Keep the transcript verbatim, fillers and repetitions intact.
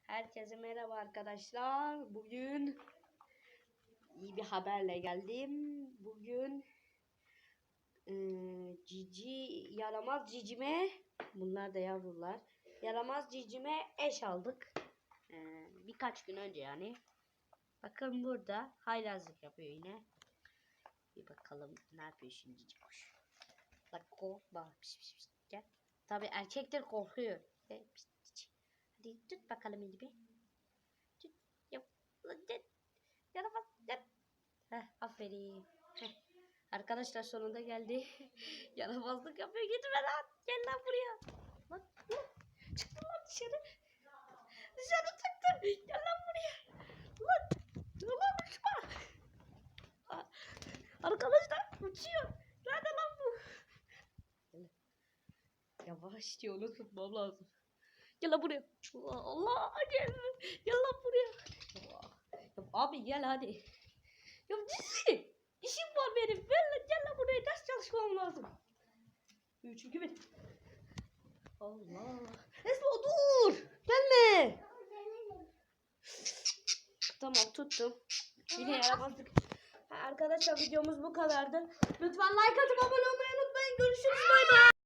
Herkese merhaba arkadaşlar. Bugün iyi bir haberle geldim. Bugün e, cici yaramaz cicime, bunlar da yavrular. Yaramaz cicime eş aldık. E, birkaç gün önce yani. Bakın burada haylazlık yapıyor yine. Bir bakalım ne yapıyor şimdi cici kuş. Bak korkma. Piş, piş, piş. Gel. Tabii erkekler korkuyor. E, piş, piş. Hadi tut bakalım elimi. Tut. Yap. Yaramaz. Yap. Heh, aferin. Heh. Arkadaşlar sonunda geldi. Yaramazlık yapıyor. Gitme lan. Gel lan buraya. Lan, lan. Çıktın lan dışarı. Dışarı çıktın. Gel lan buraya. Lan. Lan uçma. Arkadaşlar uçuyor. Nerede lan bu? Yavaş diyor, onu tutmam lazım. Gel lan buraya. Allah gel. Gel lan buraya. Ya, abi gel hadi. Ya cici. İşim var benim. Gel lan, gel lan buraya. Ders çalışmam lazım. üç iki bir. Allah. Esma dur. Gelme. Tamam tuttum. Yine yaramazlık. Arkadaşlar videomuz bu kadardı. Lütfen like atıp abone olmayı unutmayın. Görüşürüz. Bay bay.